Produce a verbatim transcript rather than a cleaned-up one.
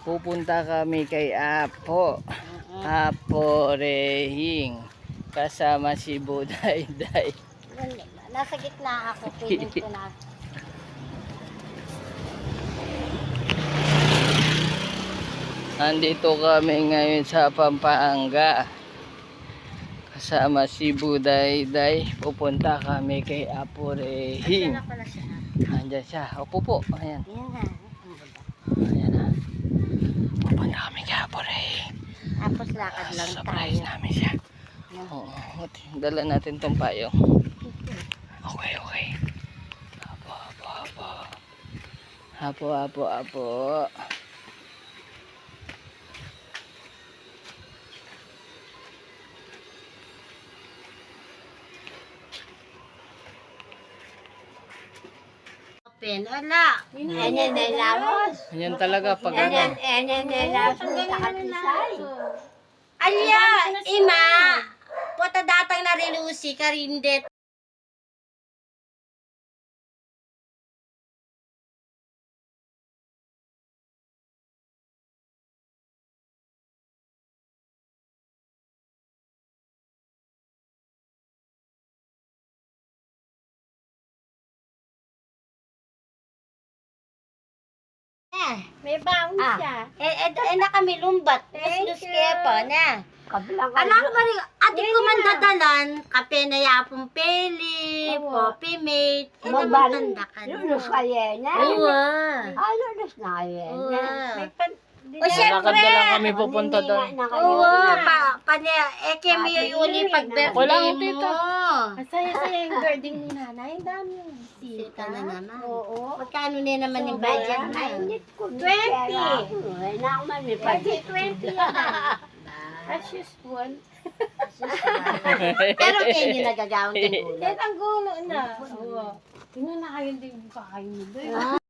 Pupunta kami kay Apo. Apo Rehing. Kasama si Budayday. Nasa gitna ako, feeling ko na. Andito kami ngayon sa Pampanga. Kasama si Budayday. Pupunta kami kay Apo Rehing. Ayan na pala siya. Andyan siya. Opo po. Ayan. Ayan na. Ayan na. Pupunta kami kay Apo Rehing. Tapos lakad lang Surprise tayo. namin siya. Oo. Dala natin tong payong. Okay, okay. Apo, apo, apo. Apo, apo, apo. Open. Wala. Ayan na lamos. Ayan talaga pag Ayan, ano. ayan na lamos. Takatisay. Alya, ima. Puta datang na rilusi karindet. May baon ah. siya. Eh, eh, eh, na kami lumbat. Lus-lus kaya pa na. Anak mo rin, ati ko man dadalan, kape na yapong peli, coffee mate, eh, namutanda ka na. Lulus kayo na? Oo. Ah, lulus na kayo na. O syempre, Lakad na lang kami pupunta doon. oo, pa, pa niya, eh, kaya mo yung uli pag birthday Okay lang, mo. tita. Masaya-saya yung birthday ni nanay. Ang dami yung Sita na naman. Oo. Magkano na naman yung budget na? twenty. Ay, naman may Budget pag- twenty yan. As usual. Pero kayo nyo nagagawang ng Yan ang gulo na. Oo. Tingnan na kayo din yung kakain nyo.